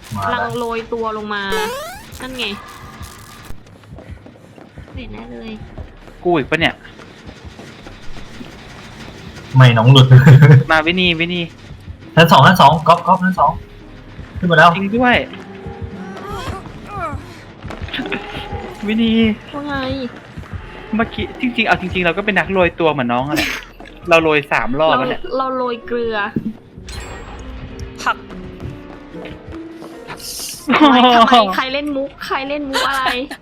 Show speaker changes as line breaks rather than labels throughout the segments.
มา
ลั
แล้
ง
ว
โรยตัวลงมานั่นไงเห็นแน่เลย
กูอีกปะเนี่ย
ไม่น้องหลุด
มาวินีวินี
ชั้นสองก๊อฟชั้นสองขึ้นมาแล้ว
จริงด้วย วินี
ว่าไง
เมื่อกี้จริงๆเอาจริงๆเราก็เป็นนักโรยตัวเหมือนน้องอะแหละเราโรย3 รอบ
เรา
แล้วแหละ
เราโรยเกลือ
ผัก
ทำไมใครเล่นมุกอะไร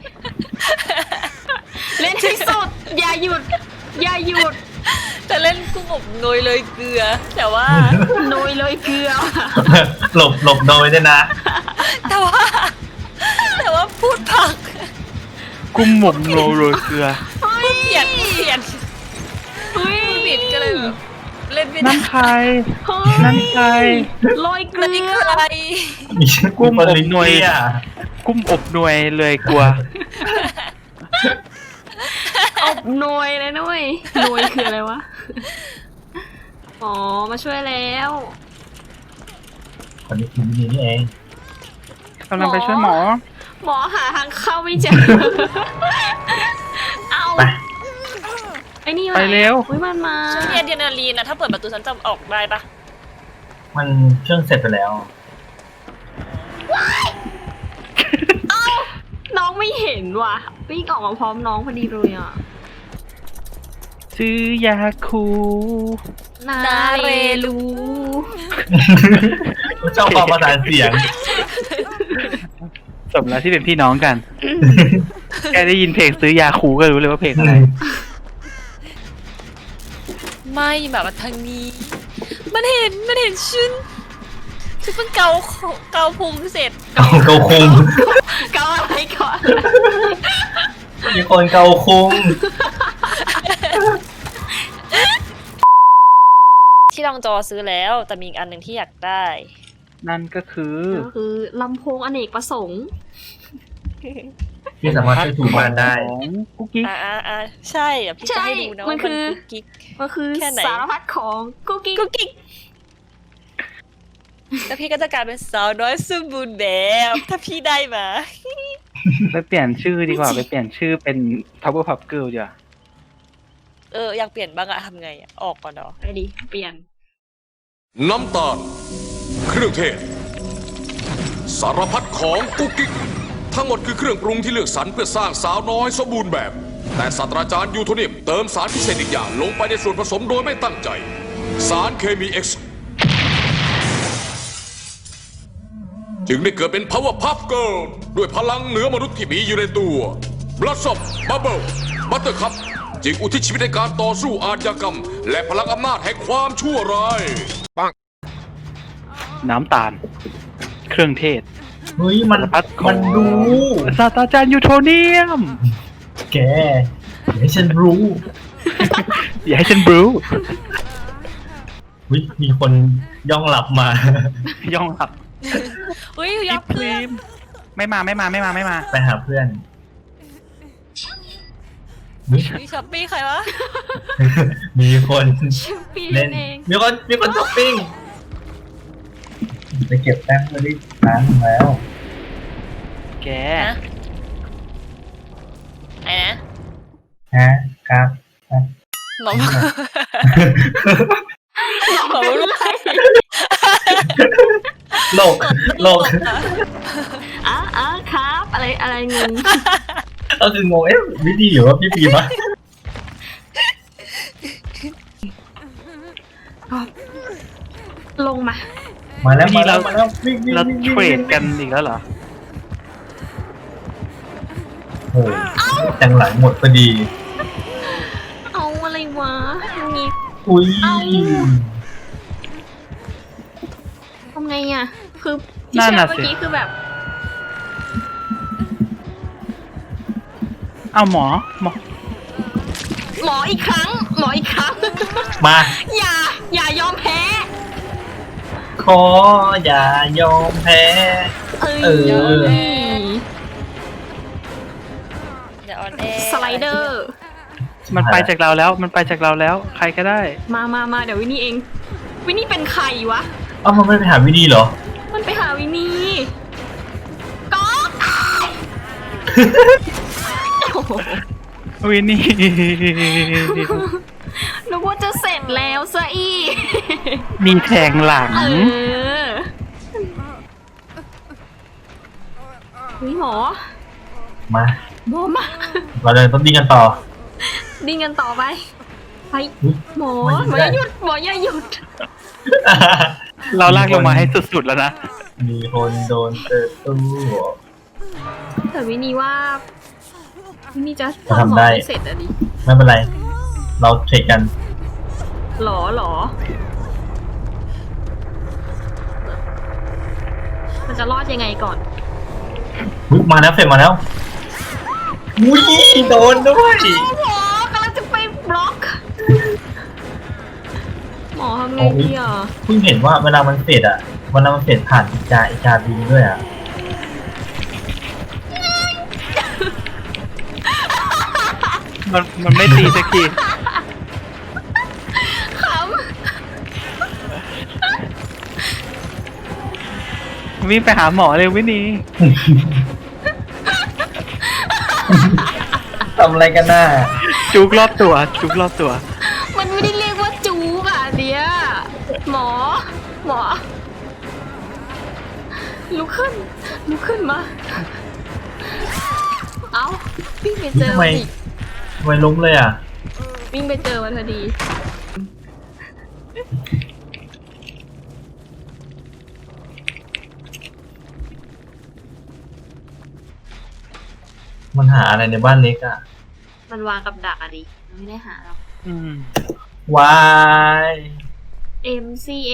เล่นที่สุดอย่าหยุด
จะเล่นกุ้งอบโนยเลยเกลือ แต่ว่า
โรยเลยเกลือ
หลบโดยด้วยนะ
แต่ว่าพูดผัก
กุ้มหมกโรยเกลือ
เปลี่ยน
เฮ้ย
ผิดก็เลยแบบเล่นไม่ได้
นั่นใคร
เฮ้ย
นั่นใคร
โรยเก
แล้ว
ลื
นี่
อ
คืออะไร
มีชื่อ
กุ้มอบ
ลิง
หน่วย
เกี้ย
กุ้มอบหน่วยเลยกลัว
อบหน่วยเลยนะเว้ยหน่วยคืออะไรวะ อ๋อ มาช่วยแล้ว
คนนี้คือวินีนี่เอง
กำลังไปช่วยหมอ
หมอหาทางเข้าไม่เจอ เอา
ไป
ไอ้นี่
ไปเร็ว
อุ้ยมันมา
ฉันมีอะดรีนาลีนนะถ้าเปิดประตูฉันจะออกได้ปะ
มันเครื่องเสร็จไปแล้ว
น้องไม่เห็นว่ะวิ่งออกมาพร้อมน้องพอดีเลยอ่ะ
ซื้อยาคู
นาเรลู
ชอบความประสานเสียง
สมแล้วที่เป็นพี่น้องกัน แค่ได้ยินเพลงซื้อยาคูก็รู้เลยว่าเพลงอะไร
ไม่แบบว่าทางนี้ มันเห็นฉันเพิ่งเกาพุงเสร็จ
เกาคุง
เกาอะไรก่อน
มีคนเกาคุง
ที่ลองจอซื้อแล้ว แต่มีอีกอันหนึ่งที่อยากได้
นั่นก็คือ
ก็คือลำโพงอเนกประสงค์
ที่สามารถช่วยถูกบ้านได้
ของกุ๊กกิ๊ก
ใช่อ่ะพี่จะให้ดูนะ
มั
ว่าน
คือ
กุ๊กกิ๊ก
ก็คือ
แค่ไหน
สารพัดของกุ๊กกิ๊ก
กุ๊กกิ๊กแล้วพี่ก็จะกลายเป็นสาวน้อยสมบูรณ์แบบ ถ้าพี่ได้มา
ไปเปลี่ยนชื่อดีกว่า ไปเปลี่ยนชื่อเป็น Powerpuff Girl ดีกว่า
อยากเปลี่ยนบ้างอะทำไงอะออกก่อนเนาะ
ไปดิเปลี่ยน
น้ำตาล เครื่องเทศ สารพัดของกุ๊กกิ๊กทั้งหมดคือเครื่องปรุงที่เลือกสรรเพื่อสร้างสาวน้อยสมบูรณ์แบบ แต่ศาสตราจารย์ยูโทเนียมเติมสารพิเศษอีกอย่างลงไปในส่วนผสมโดยไม่ตั้งใจ สารเคมี X จึงได้เกิดเป็น Powerpuff Girl ด้วยพลังเหนือมนุษย์ที่มีอยู่ในตัว Blossom Bubble Buttercup จึงอุทิศชีวิตในการต่อสู้อาชญากรรม และพลังอำนาจแห่งความชั่วร้าย
น้ำตาล เครื่องเทศ
เฮ้ยมัน
สารพัดของ
มันรู้
ศาสตราจารย์ยูโทเนียม
แกอย่าให้ฉันรู้
อย่าให้ฉันบรู
วิมีคนย่องหลับมา
ย่องหลับ
อุ้ยย
พี่
ก
พ
เพื่
รี
อน
มไม่มา
ไปหาเพื่อน
มีช้อปปี้ใครวะ
มีคน
พี่
เล่น
เอง
มีคนช้อปปิ้งไปเก็บแต้มมาดิร้านแล้ว
แก
นะไอ้นะ
ฮะครับ
หมอบอกหมอบอกรู้ใคร
โลก
ครับอะไรงง
ก็คืองงวิธีหรือว่าพี่ปีมะ
ลงมา
มาแล้ว
วิธีเรา
วิ่ง
เราเทรดกันอีกแล้วเหรอ
โอ้โหจังหลังหมดพอดี
เอาอะไรวะงี้
อุ้ย
เอา ทำไงอ่ะ คือที่
นั่น
เชื่อ
น่ะ
เมื่อ
สิ
กี้คือแบบ
เอาหมอ
หมออีกครั้ง
มา
อย่ายอมแพ้
ขออย่ายอมแพ้
เอ้ย
เออ
อย่าออนแอ
สไลเดอร์
มันไปจากเราแล้ว ใครก็ได้
มาเดี๋ยววินนี่เอง วินนี่เป็นใครวะ
เอ้ามันไม่ไปหาวิธีเหรอ
มันไปหาวินนี่โอ้โห
วินนี่
นึกว่าจะเสร็จแล้วซะอีก
มีแทงหลัง
เออนี่หมอ
มา
หมอมา
เราจะต้องดิ้นกันต่อ
ดิ้งกันต่อไป ไป
อุ๊ย
หมอ
ไม่
หมอ
ได้
อย่าหยุด หมออย่าหยุด
เราลากลงมาให้สุดๆแล้วนะ
มีคนโดนเปิดตู้
แต่วินีว่าวินีจะ
ทำได้
ม่เสร็จอะดิ
ไม่เป็นไร เราเทรดกัน
หรอ มันจะรอดยังไงก่อน
อุ๊ยมาแล้วเฟรมมาแล้วอุ้ยโดนด้วย
หมอกำลังจะไปบล็อก หมอทำไงดีอ่ะ
เพิ่งเห็นว่าเวลามันเฟดอ่ะเวลามันเฟดผ่านอีกาบินด้วยอ่ะ
มันไม่ตีสักที
ข
วิ่งไปหาหมอเลยวินนี่
ทำอะไรกันน่ะ
จุกรอบตัว จุกรอบตัว
ำมันไม่ได้เรียกว่าจูกอ่ะเดียหมอ ลุกขึ้นมา เอาวิ่งไปเจอ
ทำไม
มันอีก
ทำไมล้มเลยอ่ะ
วิ่งไปเจอมันพอดี
มันหาอะไรในบ้านเล็กอ่ะ
มันวางกับดักอะดิมันไม่ได้หาหรอก
อืม
วาย
MCA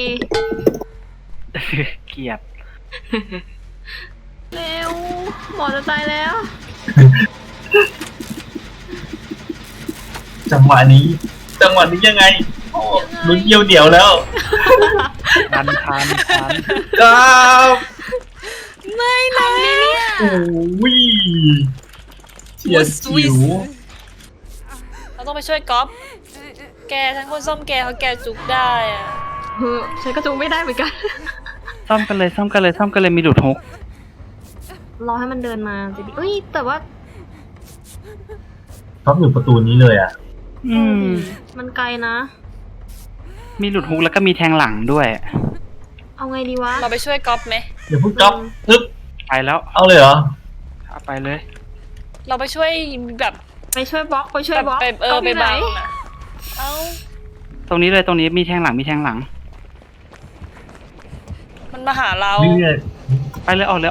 เกลียด
เร็ว หมอจะตายแล้ว
จังหวะนี้ยังไงโอ้ลุ้นเยี่ยวแล้ว
ทัน
ครับ
ไม่นะ
โอ้ยเฉียดฉิว
เราต้องไปช่วยก๊อฟแกทั้งคนซ่อมแกเขาแกจุกได้อะ
เฮ้ยฉันก็จูงไม่ได้เหมือนกัน
ซ่อมกันเลยมีหลุดฮุก
รอให้มันเดินมาจะดีเอ้ย แต่ว่า
เขาอยู่ประตูนี้เลยอ่ะ
อืม
มันไกลนะ
มีหลุดฮุกแล้วก็มีแทงหลังด้วย
เอาไงดีวะ
เราไปช่วยก๊อฟไหม
เดี๋ยวพูดก๊อปทึบ
ไปแล้ว
เอาเลยเหรอ
เอาไปเลย
เราไปช่วยแบบ
ไปช่วยบล็อก ไปช่วย
แบบ
บล็อก
ไป
ก๊อฟ
ไป
อยู่ไหน
บังอะเอ้า
ตรงนี้มีแทงหลัง
มันมาหาเรา
นี่เนี่ย
ไปเลยออกเลย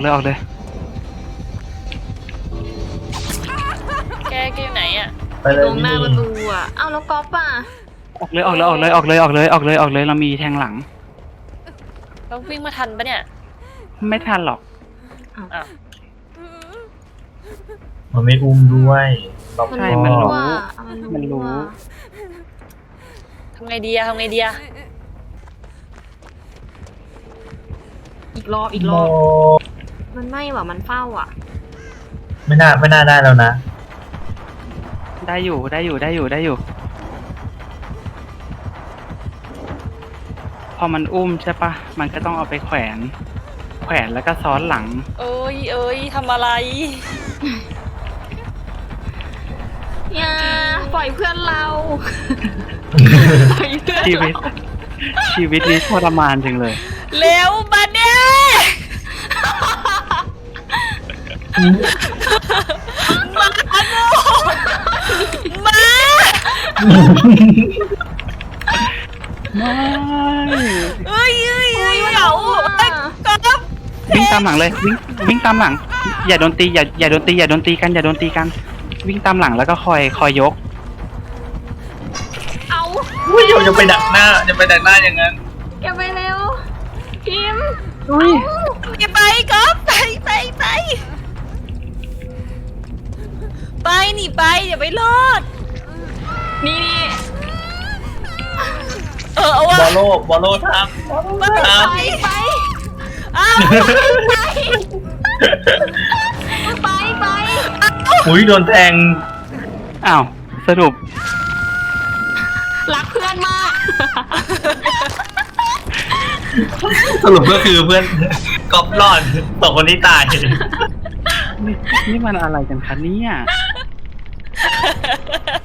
แกอยู่ไหนอ่ะ
ไปเลย
ตรงหน้าประตูอ่ะ เอาแล้วก๊อฟอ่ะ
ออกเลย เรามีแทงหลัง
เราวิ่งมาทันปะเนี่ย
ไม่ทันหรอก
อ้าว
มันไม่อุ้มด้วยรอบ
มัน
ใช่
คอ
มันรู้
ว่ามัน
มันรู้
ว่า
ทำไงดีอะ
อีกรอบ
โม
มันไม่ว่ะ มันเฝ้าอ่ะ
ไม่น่าได้แล้วนะ
ได้อยู่ พอมันอุ้มใช่ปะมันก็ต้องเอาไปแขวนแล้วก็ซ้อนหลัง
เอ้ยทำอะไร
อย่า ปล่อยเพื่อนเรา ปล่อยเพื่อน
ชีวิต
เรา
ชีวิตนี้ทรมานจังเลย
เร็วมาเนี่ยมา
ไม่
เอ้ยเหงาก๊อฟ
วิ่งตามหลังเลยวิ่งตามหลัง อย่าโดนตีอย่าโดนตีกันวิ่งตามหลังแล้วก็คอยยก
เอา
อุ้ยอย่าไปดักหน้าอย่างนั้น
อย่าไปเร็ว พิมพ์
อย่าไปก๊อฟไปหนีไปอย่าไปรอด
นี่
เอาวะ
บอลโลทำ
ไป
อ้าว
ไป
อุ้ยโดนแทง
อ้าวสรุป
รักเพื่อนมาก
สรุปก็คือเพื่อนก๊อปรอดสองคนนี้ตาย
นี่มันอะไรกันคะเนี่ย